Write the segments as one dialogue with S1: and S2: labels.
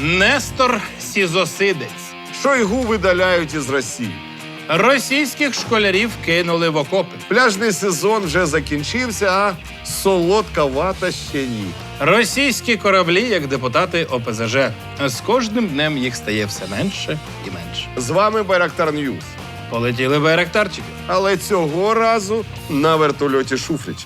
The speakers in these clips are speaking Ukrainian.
S1: Нестор Сізосидець.
S2: Шойгу видаляють із Росії.
S1: Російських школярів кинули в окопи.
S2: Пляжний сезон вже закінчився, а солодка вата ще ні.
S1: Російські кораблі, як депутати ОПЗЖ. З кожним днем їх стає все менше і менше.
S2: З вами Байрактар Ньюс.
S1: Полетіли байрактарчики.
S2: Але цього разу на вертольоті Шуфрича.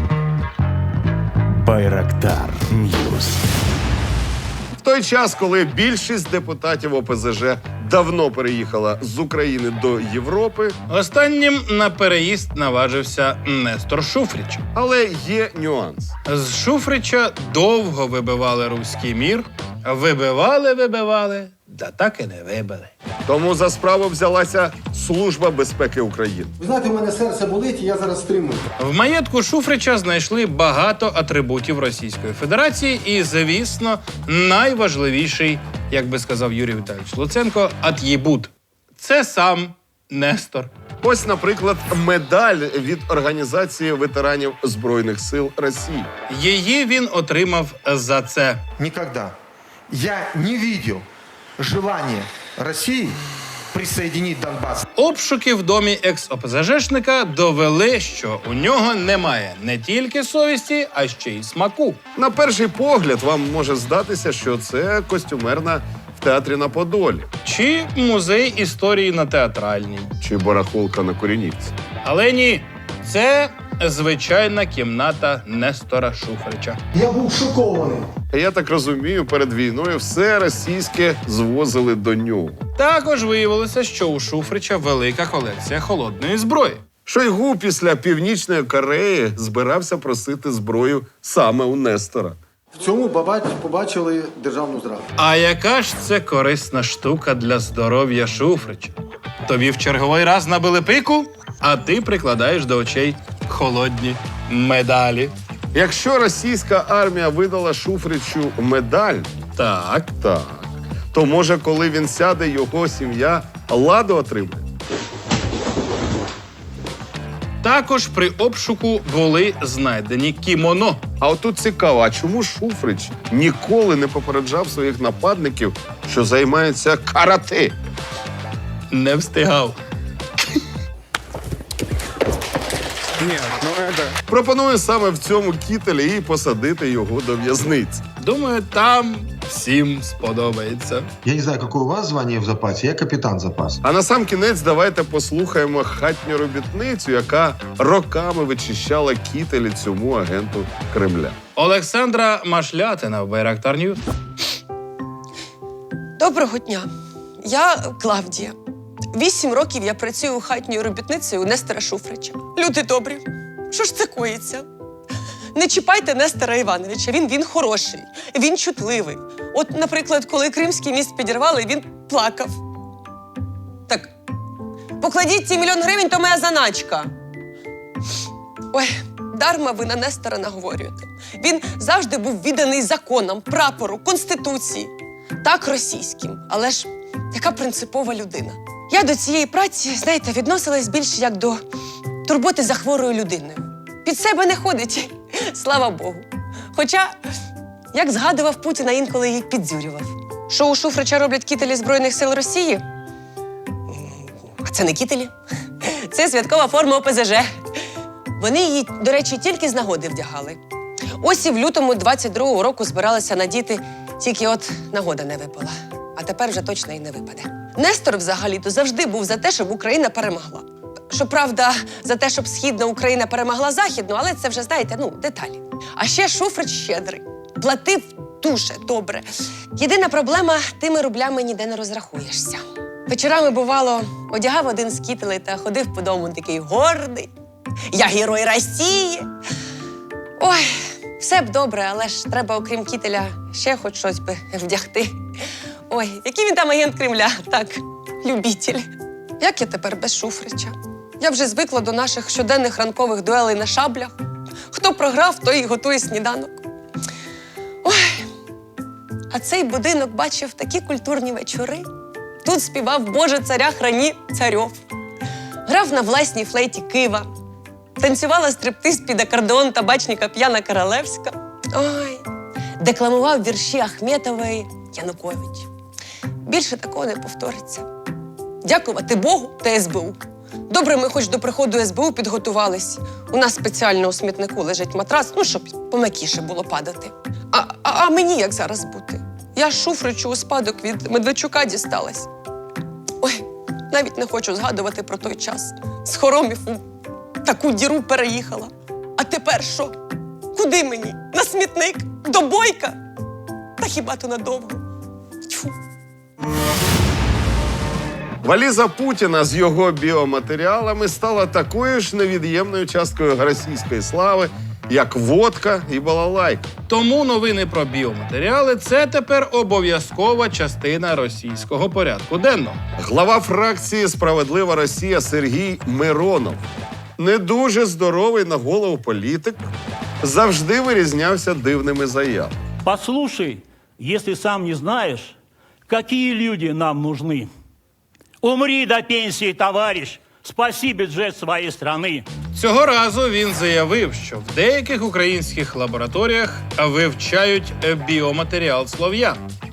S3: Байрактар Ньюс.
S2: В той час, коли більшість депутатів ОПЗЖ давно переїхала з України до Європи,
S1: Останнім на переїзд наважився Нестор Шуфрич.
S2: але є нюанс.
S1: З Шуфрича довго вибивали руський мір. Вибивали, да так і не вибили.
S2: Тому за справу взялася Служба безпеки України.
S4: Ви знаєте, у мене серце болить, і я зараз стримую.
S1: В маєтку Шуфрича знайшли багато атрибутів Російської Федерації і, звісно, найважливіший, як би сказав Юрій Віталійович Луценко, атрибут. Це сам Нестор.
S2: Ось, наприклад, медаль від Організації ветеранів Збройних сил Росії.
S1: Її він отримав за це.
S5: Никогда я не видел желания России присоединить Донбасс.
S1: Обшуки в домі екс-ОПЗЖшника довели, що у нього немає не тільки совісті, а ще й смаку.
S2: На перший погляд вам може здатися, що це костюмерна в театрі на Подолі
S1: Чи музей історії на Театральній.
S2: чи барахолка на Куренівці.
S1: Але ні, це звичайна кімната Нестора Шуфрича.
S4: Я був шокований.
S2: Я так розумію, перед війною все російське звозили до нього.
S1: Також виявилося, що у Шуфрича велика колекція холодної зброї.
S2: Шойгу після Північної Кореї збирався просити зброю саме у Нестора.
S4: В цьому побачили державну зраду.
S1: А яка ж це корисна штука для здоров'я Шуфрича? Тобі в черговий раз набили пику, а ти прикладаєш до очей холодні медалі.
S2: Якщо російська армія видала Шуфричу медаль,
S1: Так.
S2: то може, коли він сяде, його сім'я ладу отримає.
S1: Також при обшуку були знайдені кімоно.
S2: А отут цікаво, а чому Шуфрич ніколи не попереджав своїх нападників, що займаються карате?
S1: Не встигав.
S2: Пропоную саме в цьому кітелі і посадити його до в'язниці.
S1: Думаю, там всім сподобається.
S5: Я не знаю, какое у вас звание в запасе, я капитан запаса.
S2: А на сам кінець давайте послухаємо хатню робітницю, яка роками вичищала кітелі цьому агенту Кремля.
S1: Олександра Машлятина в Байрактар Ньюс.
S6: Доброго дня. Я Клавдія. 8 років я працюю хатньою робітницею у Нестора Шуфрича. Люди добрі, що ж це коїться? Не чіпайте Нестора Івановича, він хороший, він чутливий. От, наприклад, коли Кримський міст підірвали, він плакав. Так, покладіть ці 1 мільйон гривень, то моя заначка. Ой, дарма ви на Нестора наговорюєте. Він завжди був відданий законам, прапору, конституції. Так, російським, але ж яка принципова людина. Я до цієї праці, знаєте, відносилась більше як до турботи за хворою людиною. Під себе не ходить, слава Богу. Хоча, як згадував Путіна, інколи її піддзюрював. Що у Шуфрича роблять кітелі Збройних сил Росії? А це не кітелі. Це святкова форма ОПЗЖ. Вони її, до речі, тільки з нагоди вдягали. Ось і в лютому 22-го року збиралися надіти, тільки от нагода не випала. А тепер вже точно і не випаде. Нестор взагалі-то завжди був за те, щоб Україна перемогла. Щоправда, за те, щоб Східна Україна перемогла Західну, але це вже, знаєте, деталі. А ще Шуфрич щедрий. Платив дуже добре. Єдина проблема – тими рублями ніде не розрахуєшся. Вечорами, бувало, одягав один з кітелей та ходив по дому такий гордий. Я герой Росії. Ой, все б добре, але ж треба, окрім кітеля, ще хоч щось би вдягти. Ой, який він там агент Кремля, так, любітель. Як я тепер без Шуфрича? Я вже звикла до наших щоденних ранкових дуелей на шаблях. Хто програв, той і готує сніданок. Ой, а цей будинок бачив такі культурні вечори. Тут співав «Боже, царя храні царьов». Грав на власній флейті Кива. Танцювала стриптиз під акордеон табачника П'яна Королевська. Ой, декламував вірші Ахметової Янукович. Більше такого не повториться. Дякувати Богу та СБУ. Добре, ми хоч до приходу СБУ підготувались. У нас спеціально у смітнику лежить матрац, ну, щоб пом'якіше було падати. А мені як зараз бути? Я Шуфричу у спадок від Медведчука дісталась. Ой, навіть не хочу згадувати про той час. З хоромів у таку діру переїхала. А тепер що? Куди мені? На смітник? До Бойка? Та хіба то надовго? Тьфу.
S2: Валіза Путіна з його біоматеріалами стала такою ж невід'ємною часткою російської слави, як водка і балалайка.
S1: Тому новини про біоматеріали – це тепер обов'язкова частина російського порядку денного.
S2: Глава фракції «Справедлива Росія» Сергій Миронов, не дуже здоровий на голову політик, завжди вирізнявся дивними заявами.
S7: Послушай, если сам не знаешь, какие люди нам нужны. Умри до пенсии, товарищ. Спаси бюджет своей страны.
S1: Цього разу він заявив, що в деяких українських лабораторіях вивчають біоматеріал слов'ян.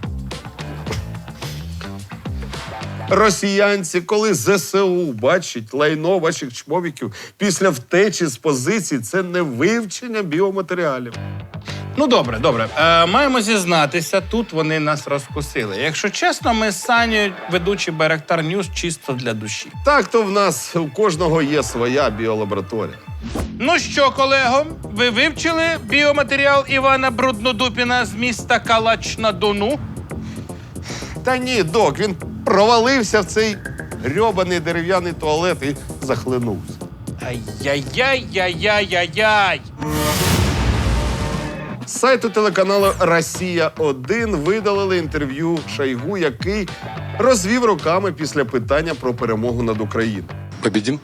S2: Росіянці, коли ЗСУ бачить лайно ваших чмовіків після втечі з позицій, це не вивчення біоматеріалів.
S1: Ну, добре. Маємо зізнатися, тут вони нас розкусили. Якщо чесно, ми з Санєю, ведучі Байрактар Ньюс, чисто для душі.
S2: Так то в нас у кожного є своя біолабораторія.
S1: Ну що, колего, ви вивчили біоматеріал Івана Бруднодупіна з міста Калач-на-Дону?
S2: Та ні, док, він провалився в цей грьобаний дерев'яний туалет і захлинувся.
S1: Ай-яй-яй-яй-яй-яй-яй!
S2: З сайту телеканалу «Росія-1» видалили інтерв'ю Шойгу, який розвів руками після питання про перемогу над Україною.
S8: Победим?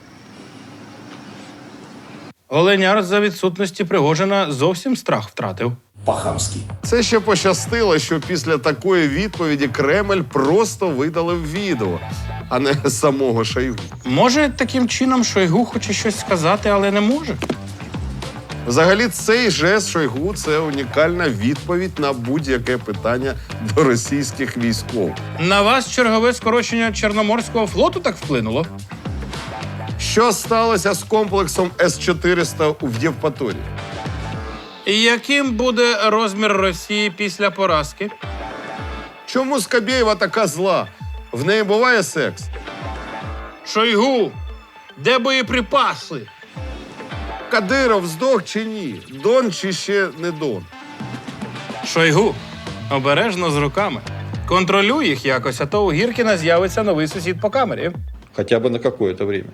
S1: Оленяр за відсутності Пригожина зовсім страх втратив.
S2: Це ще пощастило, що після такої відповіді Кремль просто видалив відео, а не самого Шойгу.
S1: Може, таким чином Шойгу хоче щось сказати, але не може?
S2: Взагалі, цей жест Шойгу – це унікальна відповідь на будь-яке питання до російських військових.
S1: На вас чергове скорочення Чорноморського флоту так вплинуло?
S2: Що сталося з комплексом С-400 в Євпаторії?
S1: І яким буде розмір Росії після поразки?
S2: Чому Скабєєва така зла? В неї буває секс?
S1: Шойгу, де боєприпаси?
S2: Кадиров здох чи ні? Дон чи ще не Дон?
S1: Шойгу, обережно з руками. Контролюй їх якось, а то у Гіркіна з'явиться новий сусід по камері.
S8: Хотя бы на какое-то время.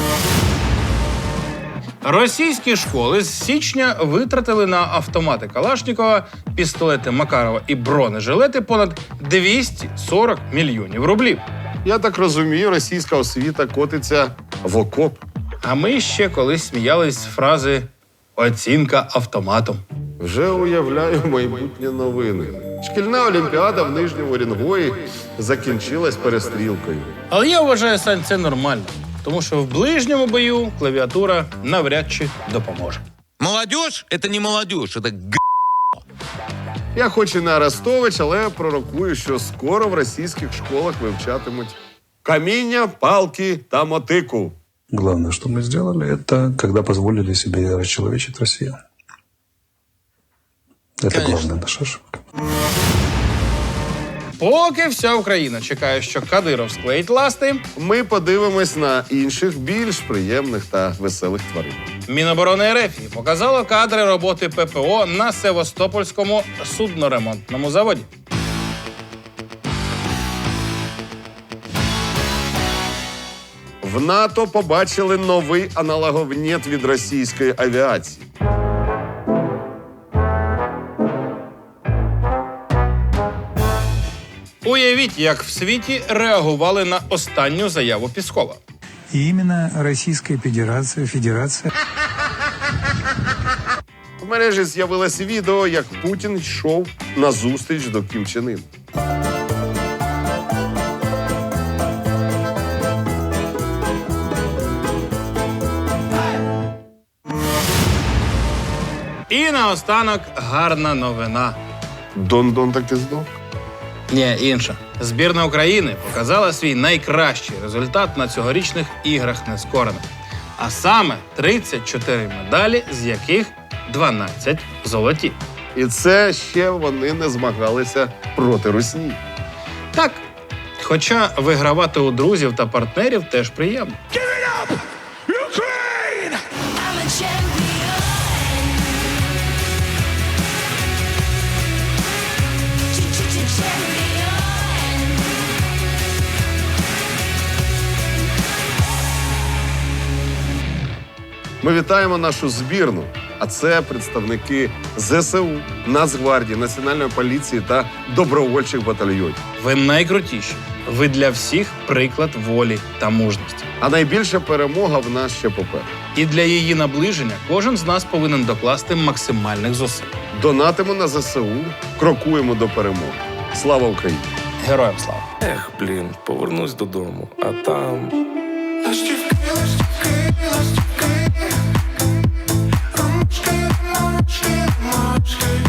S1: Російські школи з січня витратили на автомати Калашнікова, пістолети Макарова і бронежилети понад 240 мільйонів рублів.
S2: Я так розумію, російська освіта котиться в окоп.
S1: А ми ще колись сміялись з фрази «оцінка автоматом».
S2: Вже уявляю майбутні новини. Шкільна олімпіада в Нижньому Орінгої закінчилась перестрілкою.
S1: Але я вважаю, Сань, це нормально. Тому що в ближньому бою клавіатура навряд чи допоможе.
S9: Молодежь – это не молодежь, это
S2: Я хоч і не Арестович, але пророкую, що скоро в російських школах вивчатимуть каміння, палки та мотику.
S10: Главное, что мы сделали, это когда позволили себе расчеловечить Россию. Это главная наша ошибка.
S1: Поки вся Україна чекає, що Кадиров склеїть ласти,
S2: Ми подивимось на інших більш приємних та веселих тварин.
S1: Міноборони РФ показало кадри роботи ППО на Севастопольському судноремонтному заводі.
S2: В НАТО побачили новий аналоговнєт від російської авіації.
S1: Уявіть, як в світі реагували на останню заяву Піскова.
S10: И именно Российская Федерация
S2: В мережі з'явилось відео, як Путін йшов на зустріч до Кім Чен Ін.
S1: І наостанок гарна новина.
S2: Дон-дон таки здох.
S1: Ні, інша. Збірна України показала свій найкращий результат на цьогорічних іграх нескорених. А саме 34 медалі, з яких 12 золоті.
S2: І це ще вони не змагалися проти русні.
S1: Так, хоча вигравати у друзів та партнерів теж приємно.
S2: Ми вітаємо нашу збірну, а це представники ЗСУ, Нацгвардії, Національної поліції та добровольчих батальйонів.
S1: Ви найкрутіші. Ви для всіх приклад волі та мужності.
S2: А найбільша перемога в нас ще попереду.
S1: І для її наближення кожен з нас повинен докласти максимальних зусиль.
S2: Донатимо на ЗСУ, крокуємо до перемоги. Слава Україні!
S1: Героям слава!
S10: Ех, блін, повернусь додому, а там...
S3: Ромашки, ромашки, ромашки.